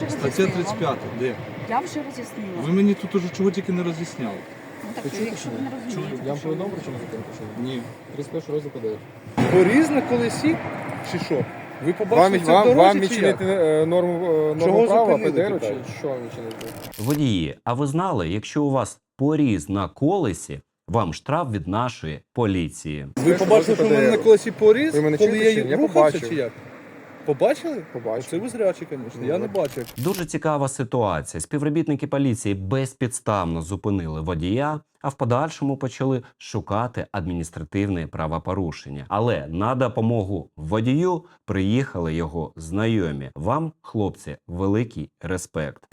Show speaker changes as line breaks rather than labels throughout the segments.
Стаття 35, де?
Я вже роз'яснила.
Ви мені тут уже чого тільки не роз'ясняли.
Ну так, якщо ви не розумієте.
Я вам повідомив, причому зупинку, що
Ні.
31 розділ ПДР.
Поріз на колесі чи що? Ви побачили це в
Вам
дорозі чи як?
відчинити норму
Чого
права
зупинили,
ПДР, чи
питаю?
що вам відчинити?
Водії, а ви знали, якщо у вас поріз на колесі, вам штраф від нашої поліції.
Ви побачили, що в мене на колесі поріз,
Ви мене
коли
чуєте,
я
чи ні? Я
рухався
побачив.
чи як? Побачили?
Побачив.
Це ви зрячі, звісно. Я не бачив.
Дуже цікава ситуація. Співробітники поліції безпідставно зупинили водія, а в подальшому почали шукати адміністративне правопорушення. Але на допомогу водію приїхали його знайомі. Вам, хлопці, великий респект.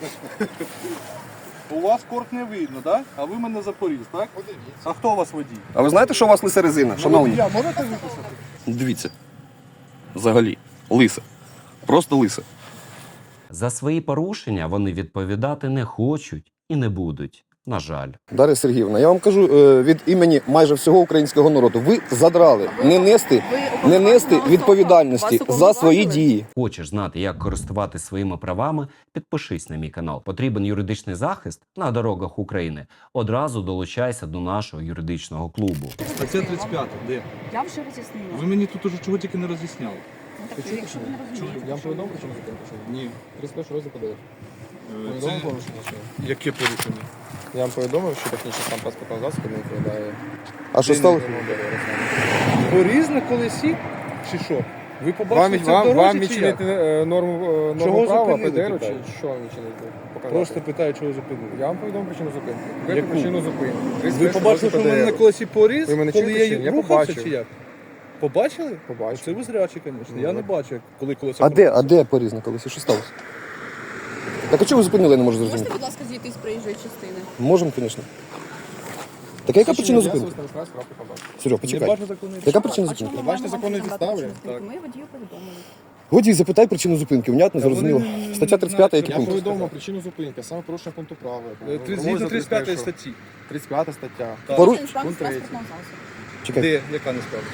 У вас корт не видно, так? А ви мене за поріз, так? А хто у вас водій?
А ви знаєте, що у вас лиса резина, шановні?
Я можете виписати?
Дивіться. Взагалі. Лиса. Просто лиса.
За свої порушення вони відповідати не хочуть і не будуть. На жаль.
Дар'я Сергіївна, я вам кажу від імені майже всього українського народу. Ви задрали не нести відповідальності за свої дії.
Хочеш знати, як користуватися своїми правами? Підпишись на мій канал. Потрібен юридичний захист на дорогах України? Одразу долучайся до нашого юридичного клубу.
Стаття 35, де?
Я вже роз'яснила.
Ви мені тут уже чого тільки не роз'ясняли.
Ну так, якщо ви не розумієте.
Я вам повідомив, причому зупинку, що
Ні.
31 розділ ПДР.
Це
Повідомив порушення, що?
яке порушення?
Я вам повідомив, що технічний стан транспортного засобу не відповідає.
А що стало?
Поріз на колесі чи що? Ви побачили це в
Вам
дорозі чи
відчинити
як?
норму
Чого
права
зупинили,
ПДР,
питаю?
чи що вам відчинити? Показати.
Просто питаю, чого зупинили.
Я вам повідомив причину зупинки.
Яку?
Яку причину зупинки?
Ви
31
побачили, що в
розділ
мене на
ПДР.
колесі поріз,
Ви мене
коли
чуєте, чи
я
ні? Я
рухався
побачив.
чи як? Побачили?
Побачив.
Це ви зрячі, звісно.
Ну,
Я не
так.
бачив, коли колесо.
А де поріз на колесі? Що сталося? Так а чого ви зупинили, я не можу
Можете,
зрозуміти.
будь ласка, зійти з проїжджої частини?
Можемо, звісно. Так яка причина зупинки? Серег,
Не
почекай.
бачу законної.
Яка причина
А чому
зупинки?
ми
Бачите
маємо
законні
вам
підстави?
надати причину
Так.
зупинки? Ми водію повідомили.
Водій, запитай причину зупинки. Внятно, зрозуміло.
вони
Стаття 35, який
Я
пункт?
повідомив причину зупинки, саме порушення пункту права.
Згідно 35 статті.
35 стаття.
Так.
Пору-
Порушення стану
Пункт третій.
транспортного засобу.
Чекай.
Де? Яка не справа?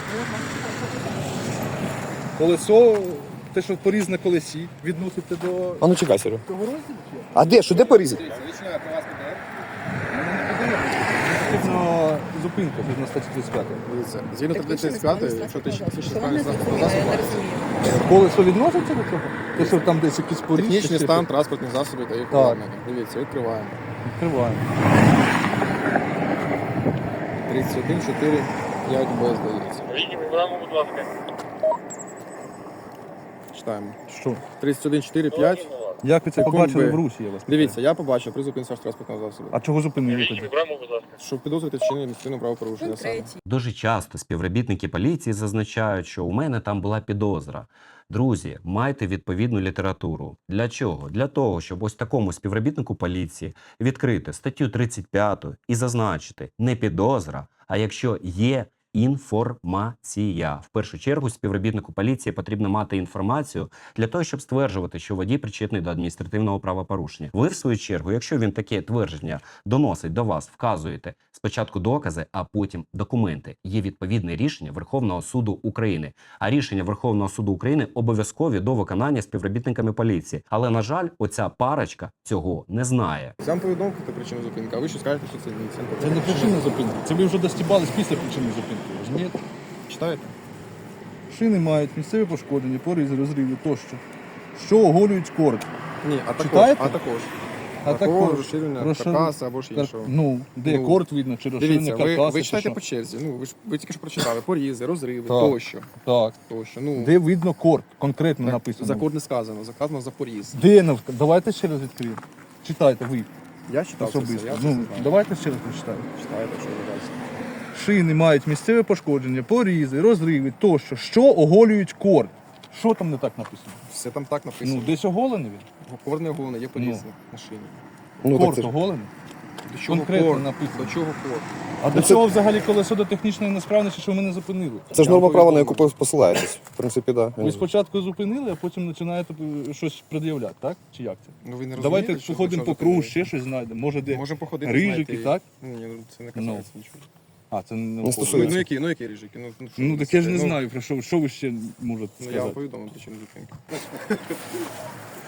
Колесо, те, що поріз на колесі, відносите до
А ну чекай, Серег.
того розділу? чи як?
А де? Що, де порізати?
Потрібно зупинка згідно статті 35.
Дивіться, згідно
Так, ви
35,
ще не
якщо ти
знаєте,
технічний
що вам
стан
не
транспортного
зрозуміло, я
засобу,
не розумію.
Колесо відноситься до цього? Те, що там десь якісь поріз?
технічний
чи
стан
що?
транспортних засобів та їх
Так.
обладнання. Дивіться, відкриваємо.
Відкриваємо.
31, 4, 5 Б, здається.
Будь ласка.
Читаємо.
Що?
31, 4, 5.
Як ви це
Секунд
побачили
Б.
в русі, я вас питаю?
Дивіться, я побачив при зупинці вашого транспортного засобу.
А чого зупинили тоді?
Будь ласка.
Щоб підозрювати вчинення адміністративного правопорушення
Пункт
саме.
третій.
Дуже часто співробітники поліції зазначають, що у мене там була підозра. Друзі, майте відповідну літературу. Для чого? Для того, щоб ось такому співробітнику поліції відкрити статтю 35 і зазначити не підозра, а якщо є інформація. В першу чергу співробітнику поліції потрібно мати інформацію для того, щоб стверджувати, що водій причетний до адміністративного правопорушення. Ви, в свою чергу, якщо він таке твердження доносить до вас, вказуєте спочатку докази, а потім документи. Є відповідне рішення Верховного суду України. А рішення Верховного суду України обов'язкові до виконання співробітниками поліції. Але, на жаль, оця парочка цього не знає.
Я вам повідомив про причину зупинки, а ви що скажете, що це ні?
Це не причина зупинки. Це ви вже достібались після причини зупинки. Розумієте?
Читаєте?
Шини мають місцеві пошкодження, поризи, розриви тощо, що оголюють корд.
Ні, а також.
Читаєте?
А також розширення
Розшир-
каркаса або ж іншого.
Ну, де
Ну,
корд видно, чи розширення
Дивіться,
каркаса,
ви
чи
читаєте
що?
по черзі. Ну, ви тільки що прочитали. Порізи, розриви,
Так.
тощо.
Так.
Тощо. Ну,
Де видно корд, конкретно
так,
написано.
за код не сказано, сказано за поріз.
Де давайте ще раз відкриємо. Читайте ви
Я читав це все,
особисто.
я це
Ну,
знаю.
давайте ще раз прочитаємо.
Читаєте, що ви бачите.
Шини мають місцеве пошкодження, порізи, розриви тощо, що оголюють корд. Що там не так написано?
Все там так написано.
Ну, десь оголений він.
Корне головне, є поріз на шині.
Ну, так
Корд
це ж.
оголений.
До чого
Конкретно
кор?
написано.
До чого кор?
А до цього взагалі колесо до технічної несправності, що ви мене зупинили?
Це ж норма права, на яку посилаєтесь. В принципі, так.
Ви спочатку зупинили, а потім починаєте щось пред'являти, так? Чи як це?
Ну, ви не
Давайте
розумієте, що
походимо
що
по кругу,
зупинили?
ще щось знайдемо. Може, де
Можемо походити,
рижики,
знаєте,
так?
Ні, ну це не касається нічого.
А, це не
Не стосується.
Ну які рижики? Ну, що
Ну,
ви
так я ж не
несете?
знаю, про що ви ще можете
Ну, я вам
сказати.
повідомив причину зупинки.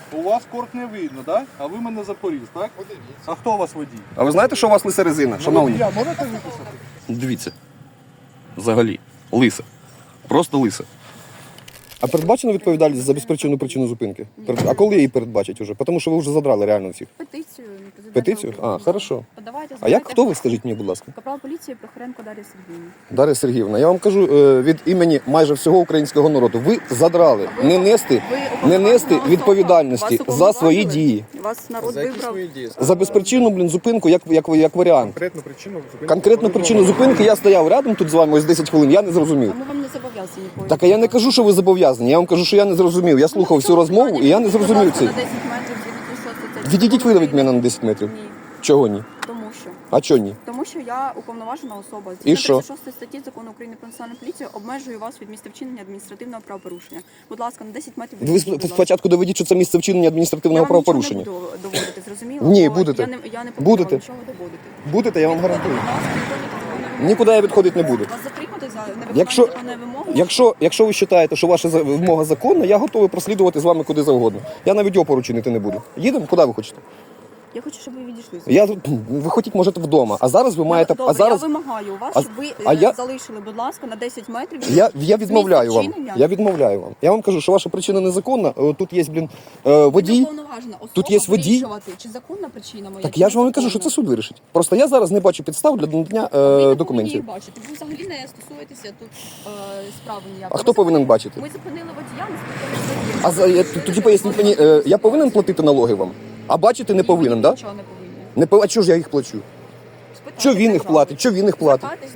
У вас корт не видно, так? А ви мене запоріз, так? А хто у вас водій?
А ви знаєте, що у вас лиса резина, шановні?
Я можете виписати?
Дивіться. Взагалі. Лиса. Просто лиса. А передбачена відповідальність за безпричинну причину зупинки? А коли її передбачать уже? Тому що ви вже задрали реально всіх.
Петицію. президента
Петицію?
України.
А, хорошо.
Подавайте,
А як
збирайте
хто ви,
підписи.
скажіть мені, будь ласка?
Капрал поліції Прохоренко Дар'я Сергіївна.
Дар'я Сергіївна, я вам кажу від імені майже всього українського народу. Ви задрали не нести відповідальності за свої дії.
Вас народ
За які
вибрав.
свої дії?
За безпричинну, зупинку, як варіант.
Конкретну причину зупинки.
Конкретну причину зупинки я стояв рядом тут з вами ось 10 хвилин, я не зрозумів.
Тому вам не зобов'язані ніколи.
Так, а я не кажу, що ви зобов'язані, я вам кажу, що я не зрозумів. Я слухав всю розмову і я не зрозумів це.
На 10 метрів від 6
Відійдіть ви від мене на 10 метрів.
Ні.
Чого ні?
Тому що.
А чого ні?
Тому що я уповноважена особа.
І що?
36 статті Закону України про національну поліцію обмежую вас від місця вчинення адміністративного правопорушення. Будь ласка, на 10 метрів
Ви
відійдіть, будь ласка.
спочатку доведіть, що це місце вчинення адміністративного правопорушення.
Я вам нічого не буду доводити, зрозуміло?
Ні,
Бо
будете.
Я не повинна
Будете.
вам нічого доводити.
Будете, я вам
Відходите,
гарантую.
будь ласка, виконуйте законні вимоги.
Нікуди я відходити не буду.
Вас затримати за невиконання
Якщо-
законної вимоги?
Якщо ви вважаєте, що ваша вимога законна, я готовий прослідувати з вами куди завгодно. Я навіть опору чинити не буду. Їдемо, куди ви хочете?
Я хочу, щоб ви відійшли.
Я тут, ви хотіть, можете вдома. А зараз ви маєте.
Добре,
А зараз
я вимагаю у вас,
а-
щоб ви
а я-
залишили, будь ласка, на 10 метрів.
я відмовляю вам.
місця вчинення.
Я відмовляю вам. Я вам кажу, що ваша причина незаконна. Тут є,
Ви
водій.
уповноважена особа
Тут є водій.
вирішувати, чи законна причина моя.
Так
чи
я ж вам і кажу,
незаконна.
що це суд вирішить. Просто я зараз не бачу підстав для надання
Ви не повинні
документів.
їх бачити. Ви взагалі не стосуєтеся тут справи ніякої.
А хто повинен бачити?
Ми зупинили водія, ми спитали водія.
Тоді поясніть мені, я повинен платити налоги вам? А бачити не повинен, так?
Нічого не повинні.
А чого ж я їх плачу?
Спитайте
Чого він їх
державу.
платить? Чого він їх платить?
Звертайтесь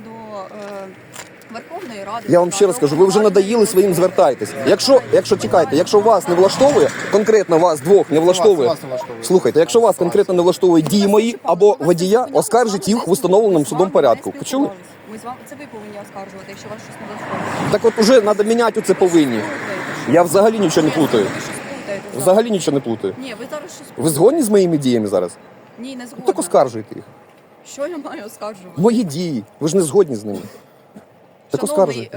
до Верховної Ради.
Я вам ще раз кажу, ви вже надоїли своїм, звертайтесь. Якщо чекайте, якщо вас не влаштовує, конкретно вас двох не влаштовує.
Вас не влаштовує.
Слухайте, якщо вас конкретно не влаштовують дії мої або водія, оскаржіть їх в установленому судом порядку. Почули?
Ми з вами це ви повинні оскаржувати, якщо вас щось не влаштовує.
Так от уже треба міняти оце повинні. Я взагалі нічого не плутаю.
Ви щось плутаєте зараз.
Взагалі нічого не плутаю.
Ні, ви зараз щось
Ви згодні з моїми діями зараз?
Ні, не згодна.
Так оскаржуйте їх.
Що я маю оскаржувати?
Мої дії. Ви ж не згодні з ними. Так
Шановний,
оскаржуйте.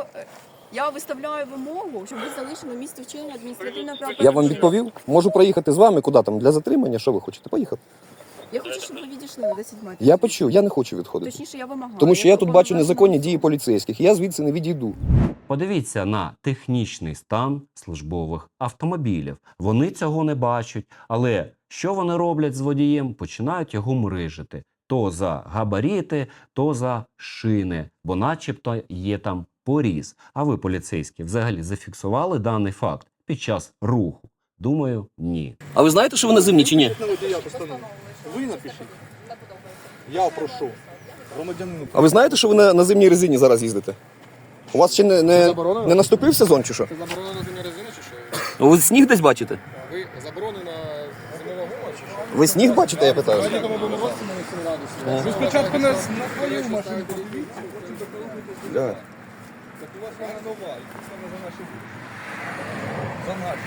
я виставляю вимогу, щоб ви залишили місце вчинення адміністративного
Я
правопорушення.
вам відповів. Можу проїхати з вами куди там для затримання. Що ви хочете? Поїхати.
Я хочу, щоб ви відійшли на 10 метрів.
Я почув, я не хочу відходити.
Точніше, я вимагаю.
Тому що я тут бачу
уповноважена
незаконні
особа.
дії поліцейських. Я звідси не відійду.
Подивіться на технічний стан службових автомобілів. Вони цього не бачать, але що вони роблять з водієм? Починають його мрижити. То за габаріти, то за шини, бо начебто є там поріз. А ви, поліцейські, взагалі зафіксували даний факт під час руху? Думаю, ні.
А ви знаєте, що ви на зимні чи ні?
На водія постанову. Ви напишіть. Я прошу. Громадянину.
А ви знаєте, що ви на зимній резині зараз їздите? У вас ще не наступив сезон чи що?
Це заборонено на зимній резині чи що?
Ви сніг десь бачите?
Ви заборонена зимова гума чи що?
Ви сніг бачите, я питаю?
Тому будемо році на 7 градусів.
Ви спочатку на свою машину подивіться, потім документи.
Да.
Так у вас вона нова, і це саме за наші гроші. За наші.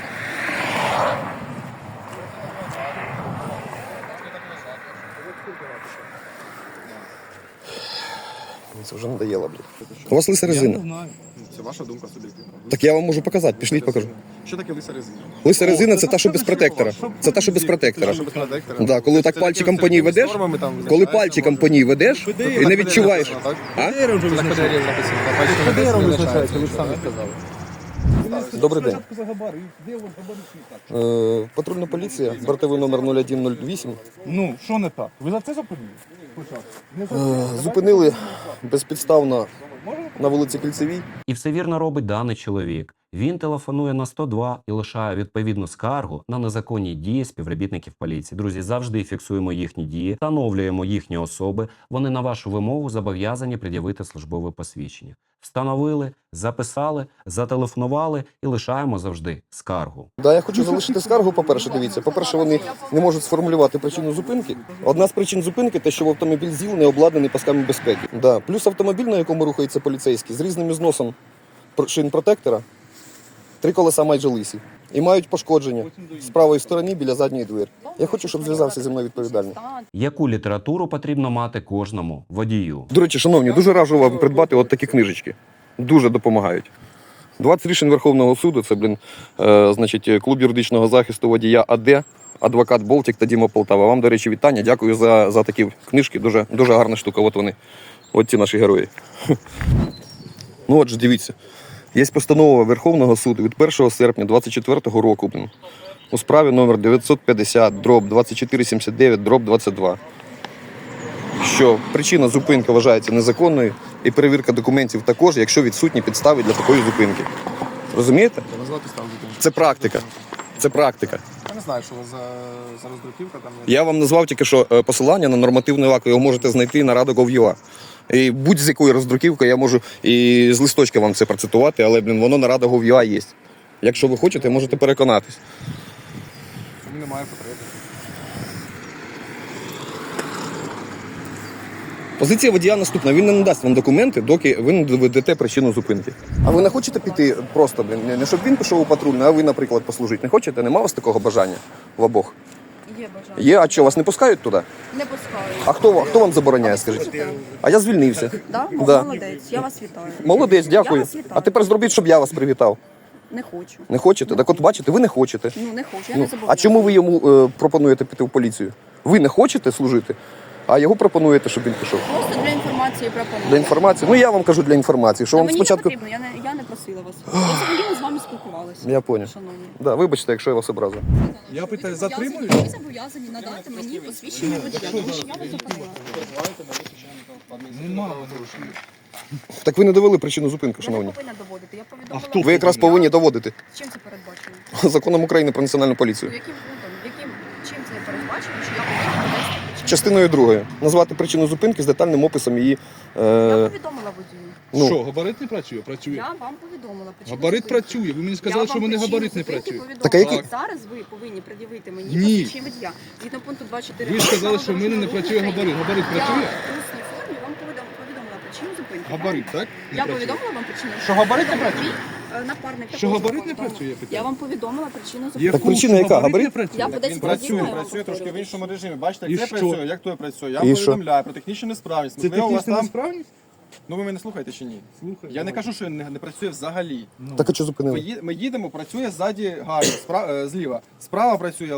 Мені це вже надоело, блядь. У вас лиса
Я не
резина.
знаю.
Це ваша думка суб'єктивна.
Так я вам можу показати, пішліть покажу.
Що таке лиса резина?
Лиса резина це та, що без протектора. Це та, що без протектора. Да, коли так пальчиком по ній ведеш, коли пальчиком по ній ведеш і не відчуваєш. А?
Це так ПДР написано.
ПДРом визначається, ви ж самі
сказали.
Добрий день.
Спочатку за габарит. Де ви габарит не так?
Патрульна поліція, бортовий номер 0108.
Ну, що не так? Ви за це зупинили? Спочатку. Не за це.
Зупинили безпідставно на вулиці Кільцевій.
І все вірно робить даний чоловік. Він телефонує на 102 і лишає відповідну скаргу на незаконні дії співробітників поліції. Друзі, завжди фіксуємо їхні дії, встановлюємо їхні особи. Вони на вашу вимогу зобов'язані пред'явити службове посвідчення. Встановили, записали, зателефонували і лишаємо завжди скаргу.
Да, я хочу залишити скаргу, по-перше, дивіться. По-перше, вони не можуть сформулювати причину зупинки. Одна з причин зупинки те, що в автомобіль ЗІЛ не обладнаний пасками безпеки. Да. Плюс автомобіль, на якому рухається поліцейський, з різним зносом шин протектора, 3 колеса майже лисі. І мають пошкодження з правої сторони біля задньої двері. Я хочу, щоб зв'язався зі мною відповідальний.
Яку літературу потрібно мати кожному водію?
До речі, шановні, дуже раджу вам придбати от такі книжечки. Дуже допомагають. 20 рішень Верховного суду, це, значить, клуб юридичного захисту водія АД, адвокат Болтік та Діма Полтава. Вам, до речі, вітання. Дякую за такі книжки. Дуже, дуже гарна штука. От вони. От ці наші герої. Ну от же, дивіться. Є постанова Верховного суду від 1 серпня 2024 року, у справі номер 950/2479/22, що причина зупинки вважається незаконною і перевірка документів також, якщо відсутні підстави для такої зупинки. Розумієте?
Я назвав підставу зупинки.
Це практика. Це практика.
Я не знаю, що за роздруківка там.
Я вам назвав тільки що посилання на нормативний акт, ви його можете знайти на Rada.gov.ua. І будь-з якої роздруківки я можу і з листочка вам це процитувати, але, воно на Rada.gov.ua є. Якщо ви хочете, можете переконатись.
Немає потреби.
Позиція водія наступна. Він не надасть вам документи, доки ви не доведете причину зупинки. А ви не хочете піти просто, не щоб він пішов у патрульну, а ви, наприклад, послужити? Не хочете? Нема у вас такого бажання в обох?
Є бажання.
Є, а що, вас не пускають туди?
Не пускаю.
А хто вам забороняє, скажіть? А я звільнився.
Да?
Да.
Молодець, я вас вітаю.
Молодець, дякую.
Я вас вітаю.
А тепер зробіть, щоб я вас привітав.
Не хочу.
Не хочете? Так от бачите, ви не хочете.
Ну, не хочу, я
Ну,
не
а
забороняю.
чому ви йому пропонуєте піти в поліцію? Ви не хочете служити, а його пропонуєте, щоб він пішов.
Просто для інформації пропоную.
Для інформації? Ну я вам кажу для інформації, що
Та
вам
мені
спочатку.
не потрібно, я не просила вас. Я взагалі з вами спілкувалася.
Я поняв.
Шановні.
Да, вибачте, якщо я вас образив.
Я питаю, затримують?
Ви зобов'язані надати мені посвідчення водія, тому що я вас зупинила.
Нема.
Так ви не довели причину зупинки,
Я не
шановні.
повинна доводити, я повідомила.
А хто?
Ви якраз повинні доводити
Чим це передбачено?
законом України про національну поліцію.
Яким пунктом? Чим це передбачено, що я повинна довести причину?
Частиною 2. Назвати причину зупинки з детальним описом її.
Я повідомила водію.
Ну.
Що, габарит не працює? Працює.
Я вам повідомила причину
Габарит
зупинки.
працює. Ви мені
Я
сказали, що
вам
в мене
причину
габарит не
зупинки
працює.
повідомила.
Так, а який-
Зараз ви повинні пред'явити мені
Ні.
посвідчення водія. Згідно пункту 24.
Ви ж сказали, що в мене не працює габарит. Габарит працює?
Я в усній формі вам повідомила причину зупинки.
Габарит, так? Не
Я
працює.
повідомила вам причину.
Що габарит не працює?
Напарник.
Що
також
габарит не
повідомив.
працює, я питаю?
Я вам повідомила причину
Є
зупинки.
Так причина
що
яка?
габарит не
Габарит?
працює?
Я по 10
Він
разів
працює,
маю
працює трошки в
повторювати.
іншому режимі. Бачите,
І
як це
що?
працює, як то працює. Я
І
вам
що?
повідомляю про технічну несправність.
Це
Можливо, у вас
технічна
там...
несправність?
Ну ви мене слухаєте чи ні?
Слухай.
Я не кажу, що не працює взагалі.
Так а що зупинили?
Ми їдемо, працює ззаді гарно, зліва. Справа працює,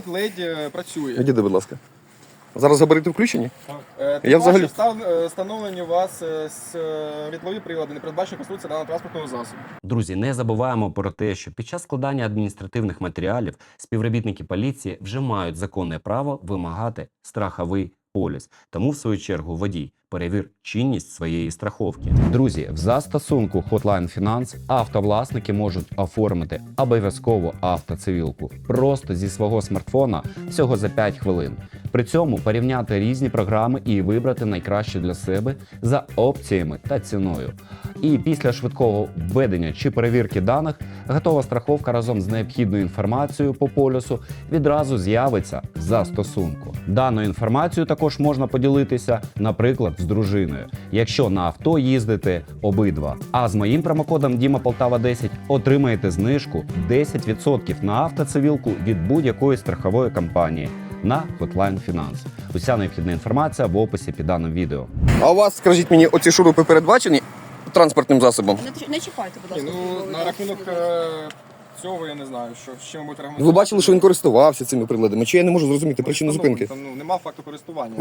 ледь працює.
Відійди, будь ласка. Зараз габарити включені?
Я
Я взагалі-
встановлені у вас світлові прилади, не передбачені конструкція даного транспортного засобу.
Друзі, не забуваємо про те, що під час складання адміністративних матеріалів співробітники поліції вже мають законне право вимагати страховий поліс. Тому, в свою чергу, водій, перевір чинність своєї страховки. Друзі, в застосунку Hotline Finance автовласники можуть оформити обов'язково автоцивілку просто зі свого смартфона всього за 5 хвилин. При цьому порівняти різні програми і вибрати найкраще для себе за опціями та ціною. І після швидкого введення чи перевірки даних готова страховка разом з необхідною інформацією по полюсу відразу з'явиться в застосунку. Даною інформацією також можна поділитися, наприклад, з дружиною, якщо на авто їздите обидва. А з моїм промокодом DIMAPOLTAVA10 отримаєте знижку 10% на автоцивілку від будь-якої страхової компанії на Hotline Finance. Уся необхідна інформація в описі під даним відео.
А у вас, скажіть мені, оці шурупи передбачені транспортним засобом?
Не чіпайте, будь
Ні,
ласка.
ну
службовий
на
засіб.
рахунок цього я не знаю, що з чим будете
Ви бачили, що він користувався цими приладами? Чи я не можу зрозуміти причину зупинки?
Там, ну, нема факту користування.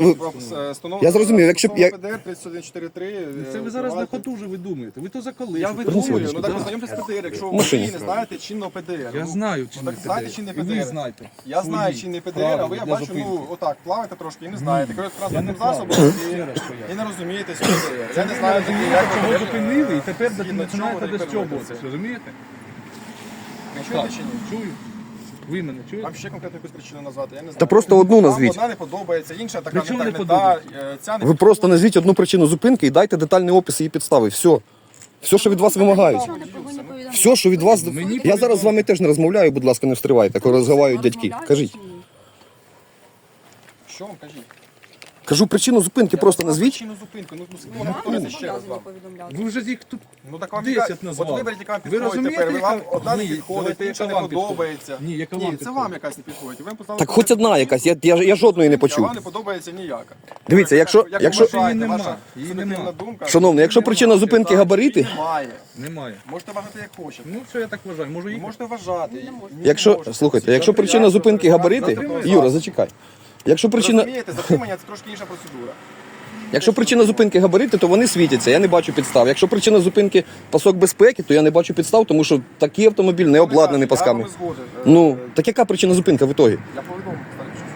Я зрозумів, якщо б я-
ПДР 3143.
Це ви зараз на ходу вже видумуєте. Ви то за коли?
Я
що
видумую,
перезвониш?
ну так
Да.
познайомтесь з ПДР, якщо
В
ви
машині.
не знаєте чинного ПДР.
Я
Ну,
знаю
так
чинний
знаєте
ПДР.
чинний
І ви
ПДР.
знаєте.
Я знаю
свої
чинний ПДР, а ви,
правила
я
для
бачу,
зупинки.
ну, отак, плаваєте трошки і не знаєте. Коли
Я не
транспортним
плаваю.
засобом
Ще раз поясню.
і не розумієте цього ПДР. Я не
Ви
знаю,
розумієте,
як
чого
ПДР.
зупинили, і тепер
Згідно
починаєте
чого ви
достьобуватися.
керуєтеся.
Розумієте?
Ви чуєте
Так,
чи ні?
чую. Ви мене чуєте?
Вам ще конкретну якусь причину назвати, я не знаю.
Та просто одну
Вам
назвіть.
одна не подобається, інша така
Причому
не
не
та,
подобається?
ця не
Ви просто назвіть одну причину зупинки і дайте детальний опис її підстави. Все. Все, що від вас вимагають.
Нічого не повинні повідомляти.
Все, що від вас.
Мені
Я зараз з вами теж не розмовляю, будь ласка, не встривайте, коли розмовляють дядьки.
Розмовляють
Кажіть.
чи ні?
Що вам кажіть?
Кажу причину зупинки, просто назвіть.
Причину зупинки. Ну,
Вам не
повторюйте ще раз.
зобов'язані повідомляти.
Ви вже їх тут
Ну так вам
10
От
назвали.
виберіть, яка вам
Ви
підходить
розумієте,
тепер. Вам
яка-
одна не
Ні,
підходить,
давайте,
інша
яка
не
вам підходить.
подобається.
Ні, яка вам
Ні, це
підходить.
вам якась не підходить. Ви поставили
Так хоч одна якась, я жодної не
А
почув.
вам не подобається ніяка.
Дивіться,
Як
якщо-
ви
якщо-
вважаєте,
Її нема,
ваша
її
суб'єктивна
нема.
думка.
Шановний, якщо
Її
причина
немає,
зупинки
так,
габарити-
її Немає.
немає.
Можете вважати як хочете.
Ну, все, я так вважаю. Можу
Ви
їхати.
можете вважати.
Не можете.
Ні,
Якщо,
можете.
слухайте, якщо причина зупинки габарити, Юра, зачекай. Якщо причина,
Розумієте, затримання це трошки інша процедура.
якщо причина зупинки габарити, то вони світяться, я не бачу підстав. Якщо причина зупинки пасок безпеки, то я не бачу підстав, тому що такий автомобіль не обладнаний пасками.
Я з вами згоден.
Ну, так яка причина зупинки в ітогі?
Я повідомив, старий, що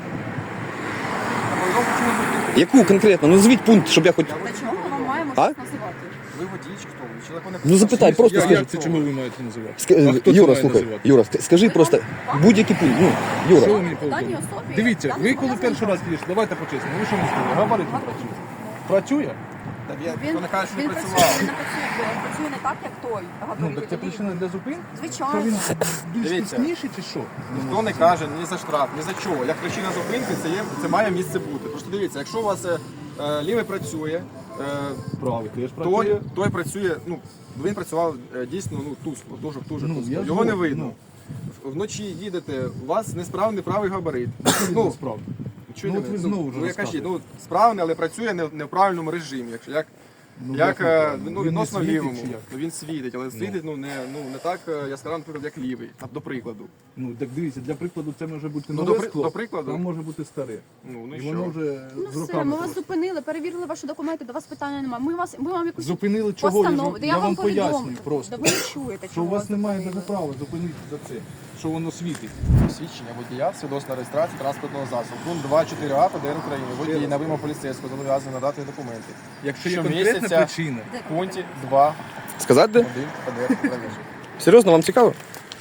я повідомив причину зупинки.
Яку конкретно? Ну, назвіть пункт, щоб я хоч...
Та чому ми вам маємо
А?
щось називати?
Ви водій чи хто? Ви чоловік не
Ну, запитай, просто
Я-
скажи.
Як це чому ви маєте називати? А хто це
Юра,
має
слухай,
називати?
Юра, скажи просто будь-який пункт. Ну, Юра.
Що ви мені
Даній
повідомили?
особі
Дивіться,
я не
ви коли
зобов'язана
перший раз їдете, давайте по-чесному. Ви що не сказали? Габарит не працює. Працює?
Та я
Він,
не кажу, що не
він
працював.
працює, він працює не так, як той.
Ну,
Габарит.
так це причина для зупинки? То
Звичайно.
він більш
Дивіться.
пізніший чи що?
Ніхто не каже ні за штраф, ні за чого. Як причина зупинки, це має місце бути. Просто дивіться, якщо у вас лівий працює,
Правий теж працює.
той працює, ну, він працював дійсно тускло, дуже
Ну,
тускло.
я
Його не
згоден,
видно. Вночі їдете, у вас несправний правий габарит.
Ну, справді.
чуєте
от ви
мене?
знову вже
я кажу,
розказуєте.
справний, але працює не в правильному режимі. Як
Ну,
як
він не
відносно
світить
лівому.
чи як?
Він світить, але світить не так яскраво, наприклад, як лівий, до прикладу.
Ну, так дивіться, для прикладу це може бути
Ну,
нове скло,
до прикладу.
там може бути старе.
Ну
І
і
воно
що?
вже
Ну
з
все,
роками.
ми вас
просто.
зупинили, перевірили ваші документи, до вас питання немає. Ми вам якусь
Зупинили чого?
постанову.
Я вам пояснюю
повідомлю.
просто.
Да ви не чуєте,
Що
чого
у вас
вас
немає
зупинили.
навіть права зупинити за це, що воно світить.
Свідчення водія, свідоцтва реєстрації транспортного засобу. Пункт 2.4а ПДР України. Водій на вимогу поліцейського зобов'язаний надати документи.
Якщо є
Щомісяця
конкретна причина,
В пункті 2.1
Сказати де?
ПДР України.
Серйозно, вам цікаво?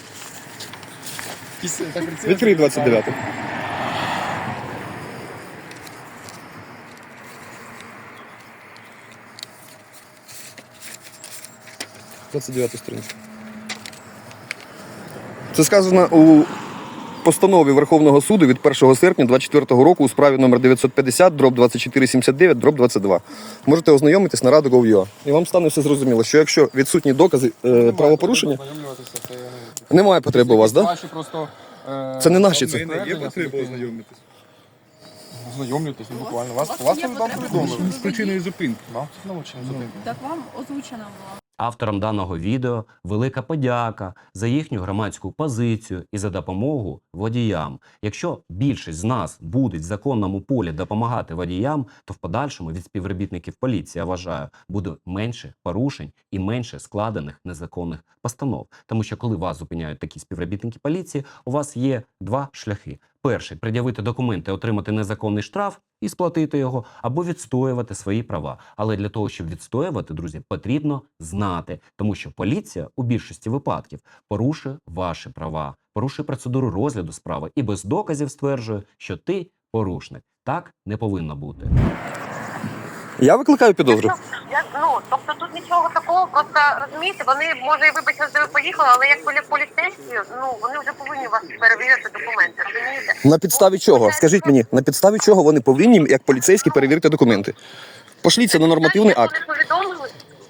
Відкрий 29. Сторінка. Це сказано у постанові Верховного суду від 1 серпня 2024 року у справі номер 950/2479/22. Можете ознайомитись на Rado.gov.ua. І вам стане все зрозуміло, що якщо відсутні докази правопорушення, немає потреби у вас, так? Да?
Ваші просто...
Це не наші,
в
це.
мене є потреба ознайомитись
Ознайомлюйтесь, буквально. Вас
є
вам
потреба
повідомили.
з причиною зупинки.
Вам научили зупинку.
Так вам озвучена була.
Авторам даного відео велика подяка за їхню громадську позицію і за допомогу водіям. Якщо більшість з нас буде в законному полі допомагати водіям, то в подальшому від співробітників поліції, я вважаю, буде менше порушень і менше складених незаконних постанов. Тому що коли вас зупиняють такі співробітники поліції, у вас є два шляхи. Перший – пред'явити документи, отримати незаконний штраф і сплатити його, або відстоювати свої права. Але для того, щоб відстоювати, друзі, потрібно знати, тому що поліція у більшості випадків порушує ваші права, порушує процедуру розгляду справи і без доказів стверджує, що ти порушник. Так не повинно бути.
Я викликаю підозру.
Тобто тут нічого такого, просто розумієте, вони, може, і вибачте, що ви поїхали, але як поліцейські, вони вже повинні вас перевірити документи, розумієте?
На підставі чого? Скажіть мені, на підставі чого вони повинні, як поліцейські, перевірити документи? Пошліться на нормативний акт.
Вони повідомили,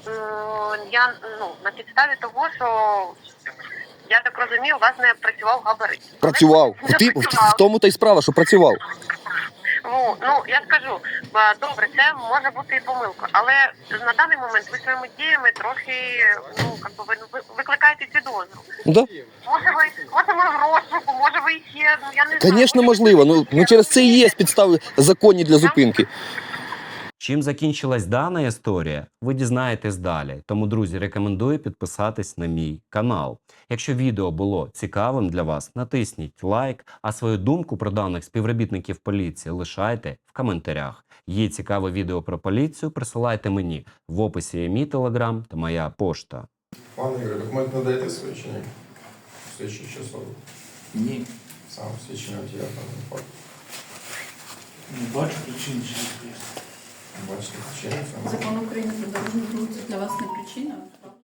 на підставі того, що, я так розумію, у вас не працював габарит.
Працював. В тому та й справа, що працював.
Я скажу, добре, це може бути і помилка, але на даний момент ви своїми діями трохи, ви викликаєте підозру.
Да?
Може ми в розшуку, може ви ще, я не знаю.
Звісно, можливо. Ну через це і є підстави законні для зупинки.
Чим закінчилась дана історія, ви дізнаєтесь далі. Тому, друзі, рекомендую підписатись на мій канал. Якщо відео було цікавим для вас, натисніть лайк, а свою думку про даних співробітників поліції лишайте в коментарях. Є цікаве відео про поліцію, присилайте мені. В описі є мій телеграм та моя пошта.
Пане Ігор, документ надаєте свої чи ні? Свідчуючи особу.
Ні,
Сам свідчення водія даного факту.
не бачу причин чи звісно.
Бачите, причини цього?
Закон України про дорожній рух це для вас не причина?